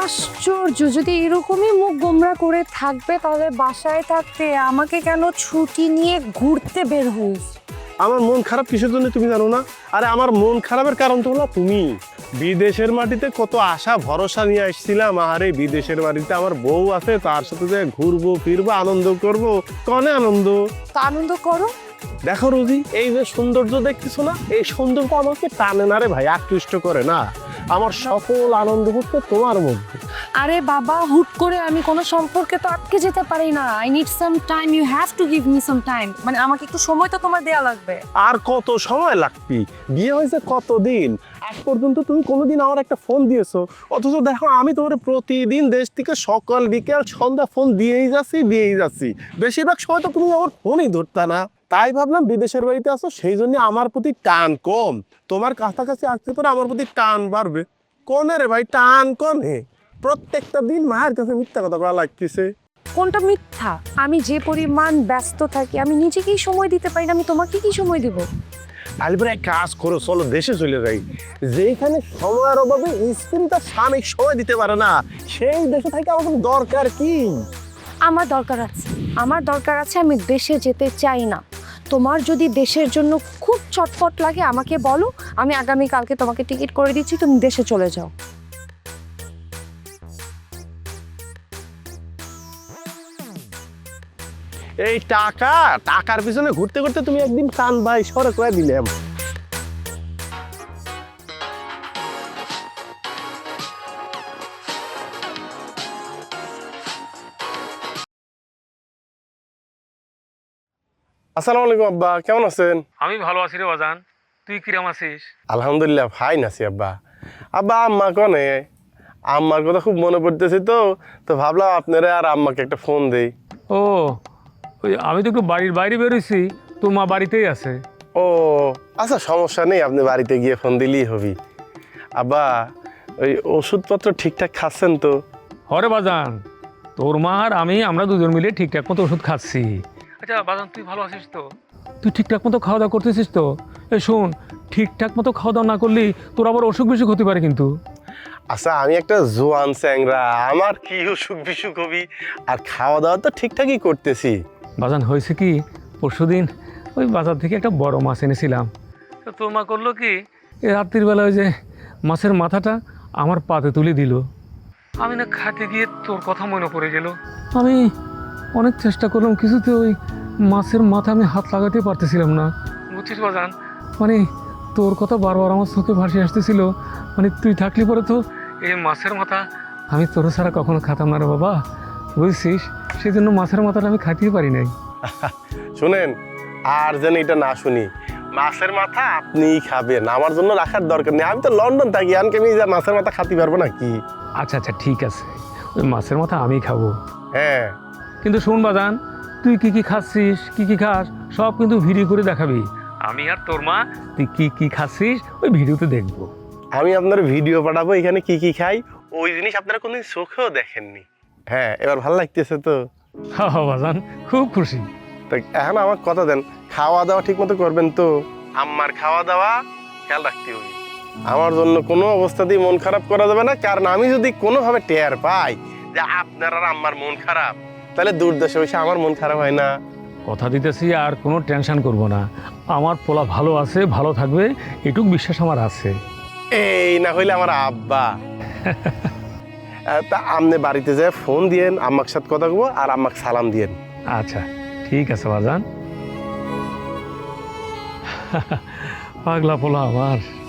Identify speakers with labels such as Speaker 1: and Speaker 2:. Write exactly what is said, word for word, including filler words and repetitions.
Speaker 1: আশ্চর্য, যদি এরকমই মুখ গোমরা করে থাকবে তাহলে বাসায় থাকতে আমাকে কেন ছুটি নিয়ে ঘুরতে বের হইস?
Speaker 2: আমার মন খারাপ কিসের জন্য তুমি জানো না? আরে আমার মন খারাপের কারণ তো হলো তুমি। বিদেশের মাটিতে কত আশা ভরসা নিয়ে আসছিলাম, আরে বিদেশের মাটিতে আমার বউ আছে, তার সাথে যে ঘুরবো ফিরবো আনন্দ করবো, কনে আনন্দ।
Speaker 1: তো আনন্দ করো।
Speaker 2: দেখো রোজি, এই যে সৌন্দর্য দেখতেছো না, এই সৌন্দর্য আমাকে টানে না রে ভাই, আকৃষ্ট করে না। আমার সকল আনন্দ হচ্ছে তোমার মধ্যে।
Speaker 1: আরে বাবা, হুট করে আমি কোনো সম্পর্কে তো আটকে যেতে পারি না। I need some time, you have to give me some time. মানে আমাকে একটু সময় তো তোমার দেয়া লাগবে।
Speaker 2: আর কত সময় লাগবে? বিয়ে হয়েছে কতদিন, আজ পর্যন্ত তুমি কোনোদিন আমার একটা ফোন দিয়েছো? অথচ দেখো আমি তোমার প্রতিদিন দেশ থেকে সকাল বিকেল সন্ধ্যা ফোন দিয়েই যাচ্ছি দিয়েই যাচ্ছি, বেশিরভাগ সময় তো তুমি আমার ফোনই ধরতা না। তাই ভাবলাম বিদেশের বাড়িতে আসো, সেই জন্য আমার প্রতি টান কম, তোমার কাছাকাছি আসতে পারে আমার প্রতি টান বাড়বে। কনে রে ভাই, টান কনে? প্রত্যেকটা দিন মায়ের কাছে মিথ্যা কথা বলা লাগতেছে।
Speaker 1: কোনটা মিথ্যা? আমি যে পরিমাণ ব্যস্ত থাকি, আমি নিজেকেই সময় দিতে পারি না, আমি তোমাকে কি সময় দিব?
Speaker 2: তাহলে এক কাজ করো, চলো দেশে চলে যাই। যেখানে সময়ের অভাবে স্ত্রী তার স্বামী সময় দিতে পারে না, সেই দেশে থেকে আমার দরকার কি?
Speaker 1: আমার দরকার আছে, আমার দরকার আছে। আমি দেশে যেতে চাই না। তোমার যদি দেশের জন্য খুব চটপট লাগে আমাকে বলো, আমি আগামীকালকে তোমাকে টিকিট করে দিচ্ছি, তুমি দেশে চলে যাও।
Speaker 2: এই টাকা টাকার পিছনে ঘুরতে ঘুরতে তুমি একদিন কান ভাই সরে করে দিলাম। আসসালামু আলাইকুম আব্বা, কেমন আছেন?
Speaker 3: আমি ভালো আছি রে বাজান, তুই কিরম আছিস?
Speaker 2: আলহামদুলিল্লাহ ফাইন আছি আব্বা। আব্বা আম্মা কনে? আম্মার কথা খুব মনে পড়তেছে তো তো ভাবলাম আপনারা আর আম্মাকে একটা ফোন দেই।
Speaker 3: ও, ওই আমি তো একটু বাড়ির বাইরে বেরোইছি, তোর মা বাড়িতেই আছে।
Speaker 2: ও আচ্ছা, সমস্যা নেই, আপনি বাড়িতে গিয়ে ফোন দিলেই হবি। আব্বা ওই ওষুধপত্র ঠিকঠাক খাচ্ছেন তো?
Speaker 3: হরে বাজান, তোর মা আর আমি আমরা দুজন মিলে ঠিকঠাক মতো ওষুধ খাচ্ছি। আচ্ছা বাজান, তুই ভালো আছিস তো? তুই ঠিকঠাক মতো খাওয়া দাওয়া করতেছিস তো? এই শোন, ঠিকঠাক মতো খাওয়া দাওয়া না করলে তোর আবার অসুখ বিসুখ হতে পারে কিন্তু।
Speaker 2: আচ্ছা আমি একটা জোয়ান চ্যাংরা, আমার কি অসুখ বিসুখ হবি? আর খাওয়া দাওয়া তো ঠিকঠাকই করতেছি।
Speaker 3: বাজান হয়েছে কি, পরশুদিন ওই বাজার থেকে একটা বড় মাছ এনেছিলাম, তো তোর মা করলো কি, এই রাত্রির বেলা ওই যে মাছের মাথাটা আমার পাতে তুলে দিল। আমি না খাতে গিয়ে তোর কথা মনে পড়ে গেল। আমি অনেক চেষ্টা করলাম, কিছুতে ওই মাছের মাথা আমি হাত লাগাতে পারতেছিলাম না, বুঝছিস বাজান? মানে তোর কথা বারবার আমার চোখে ভাসে আসতেছিল। মানে তুই থাকলে পরে তো এই মাছের মাথা আমি তোর ছাড়া কখনো খাতাম না রে বাবা, বুঝছিস? সেই জন্য মাছের মাথাটা আমি খাইতেই পারি নাই।
Speaker 2: শুনেন, আর যেন এটা না শুনি, মাছের মাথা আপনিই খাবেন, আমার জন্য রাখার দরকার নেই। আমি তো লন্ডন থাকি, আনকে আমি যা মাছের মাথা খাতে পারবো নাকি?
Speaker 3: আচ্ছা আচ্ছা ঠিক আছে, ওই মাছের মাথা আমি খাবো।
Speaker 2: হ্যাঁ
Speaker 3: কিন্তু শোন বাজান, তুই কি কি খাচ্ছিস, কি কি খাস, সব কিন্তু ভিডিও করে দেখাবি। আমি আর তোর মা তুই কি কি খাচ্ছিস ওই ভিডিওতে দেখবো।
Speaker 2: আমি আপনার ভিডিও পাঠাবো এখানে কি কি খাই, ওই জিনিস আপনারা কোনোদিন চোখেও দেখেননি। হ্যাঁ এবার ভালো লাগতেছে তো?
Speaker 3: হ্যাঁ হ্যাঁ বাজান, খুব খুশি।
Speaker 2: তা এখন আমার কথা দেন, খাওয়া দাওয়া ঠিক মতো করবেন তো? আম্মার খাওয়া দাওয়া খেয়াল রাখতে হবে। আমার জন্য কোনো অবস্থাতেই মন খারাপ করা যাবে না, কারণ আমি যদি কোনোভাবে টের পাই যে আপনার আর আম্মার মন খারাপ, তাহলে দূর দেশে বসে আমার মন খারাপ হয় না।
Speaker 3: কথা দিতেছি, আর কোনো টেনশন করব না, আমার পোলা ভালো আছে, ভালো থাকবে, এটুক বিশ্বাস আমার আছে।
Speaker 2: এই না হইলে আমার আব্বা। তা আপনি বাড়িতে যায় ফোন দিয়েন, আম্মার সাথে কথা বলবো, আর আম্মাকে সালাম দিয়েন।
Speaker 3: আচ্ছা ঠিক আছে বাজান। পাগলা পোলা আমার।